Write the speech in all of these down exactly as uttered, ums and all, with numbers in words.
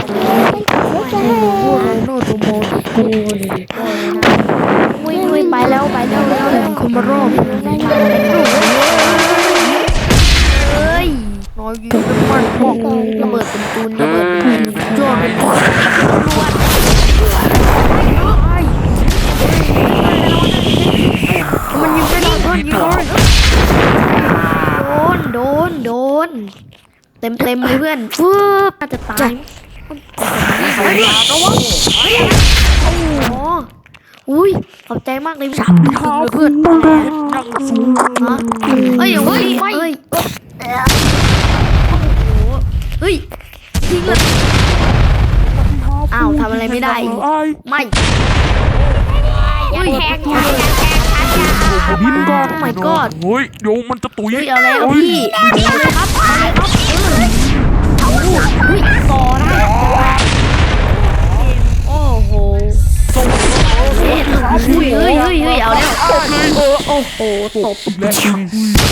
พวกเราโน่ตัวโมตัวกูเลยวิ่งวิ่งไปแล้วไปแล้วแล้วคุณมารอบเฮ้ยน้อยยิงเป็นมันบอกระเบิดเป็นตูนระเบิดเป็นยอดเป็นตัวมันยิงไม่โดนยิงโดนโดนโดนเต็มเต็มเลยเพื่อนฟืบน่าจะตายเฮ้ยระวังโอ้โหอุ้ยขอบใจมากเลยสามทองเพื่อนฮะเฮ้ยเฮ้ยเฮ้ยเฮ้ยทิ้งเลยอ้าวทำอะไรไม่ได้ไม่เฮ้ยแทงบินก่อน my god เฮ้ยเดี๋ยวมันจะตุยเฮ้ยเอาเลยพี่เอาเลยครับเอาเลยครับเออเฮ้ยต่อได้โอ้โหเฮ้ยเฮ้ยเฮ้ยเฮ้ยเอาแล้วโอ้โหตบและจริง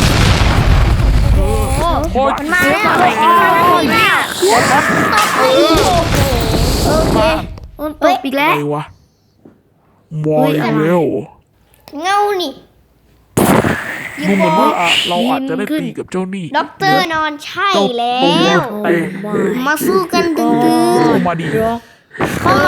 โอ้โหมันมาแล้วเนี่ยโอเคมันตบอีกแล้ไงววะมอยแล้วเงานี่ดูเหมือนว่าอ่ะเราอาจจะได้ตีกับเจ้านี่ด็อกเตอร์นอนใช่เจ้าแล้ตัววเต็มมาสู้กันดึงเข้ามาดีๆเขา